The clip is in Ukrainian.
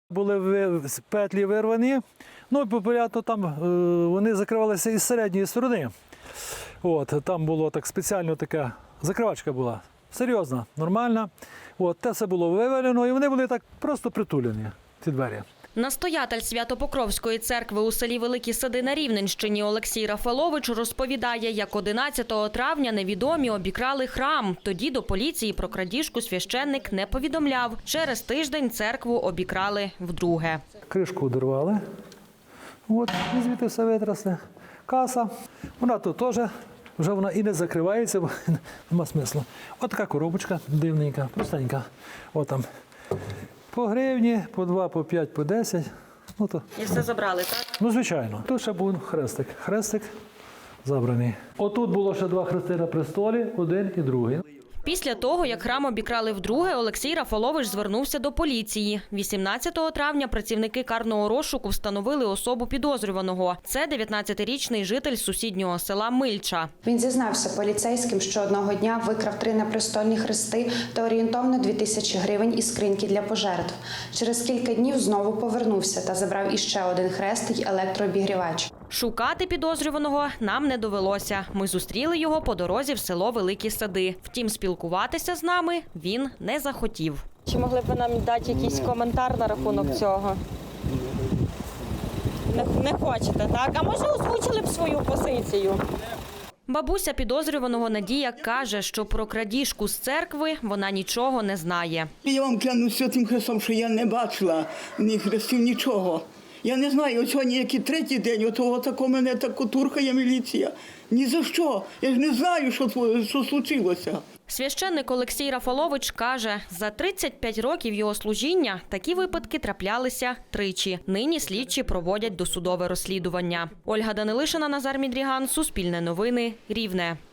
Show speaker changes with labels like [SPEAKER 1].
[SPEAKER 1] Були петлі вирвані, ну і популярно там вони закривалися із середньої сторони. От, там було так спеціально така закривачка була, серйозна, нормальна. От, те все було вивалено і вони були так просто притулені, ці двері.
[SPEAKER 2] Настоятель Свято-Покровської церкви у селі Великі Сади на Рівненщині Олексій Рафалович розповідає, як 11 травня невідомі обікрали храм. Тоді до поліції про крадіжку священник не повідомляв. Через тиждень церкву обікрали вдруге.
[SPEAKER 1] Кришку одірвали, от, і звідти все витрасли. Каса, вона тут теж, вже вона і не закривається, бо нема смислу. От така коробочка дивненька, простенька. От там. По гривні, по 2, по 5, по 10. Ну, то...
[SPEAKER 2] І все забрали, так?
[SPEAKER 1] Ну, звичайно. Тут ще був хрестик. Хрестик забраний. Отут було ще 2 хрести на престолі, один і другий.
[SPEAKER 2] Після того, як храм обікрали вдруге, Олексій Рафалович звернувся до поліції. 18 травня працівники карного розшуку встановили особу підозрюваного. Це 19-річний житель сусіднього села Мильча.
[SPEAKER 3] Він зізнався поліцейським, що одного дня викрав 3 непрестольні хрести та орієнтовно 2000 гривень із скриньки для пожертв. Через кілька днів знову повернувся та забрав іще один хрест й електрообігрівач.
[SPEAKER 2] Шукати підозрюваного нам не довелося. Ми зустріли його по дорозі в село Великі Сади. Втім, спілкуватися з нами він не захотів.
[SPEAKER 4] Чи могли б ви нам дати якийсь коментар на рахунок цього? Не хочете, так? А може озвучили б свою позицію?
[SPEAKER 2] Бабуся підозрюваного Надія каже, що про крадіжку з церкви вона нічого не знає.
[SPEAKER 5] Я вам клянусь Святим Христом, що я не бачила ні хрестів, нічого. Я не знаю, от сьогодні який 3-й день, отако мене тако туркає міліція. Ні за що. Я ж не знаю, що случилося.
[SPEAKER 2] Священник Олексій Рафалович каже, за 35 років його служіння такі випадки траплялися тричі. Нині слідчі проводять досудове розслідування. Ольга Данилишина, Назар Мідріган, Суспільне новини, Рівне.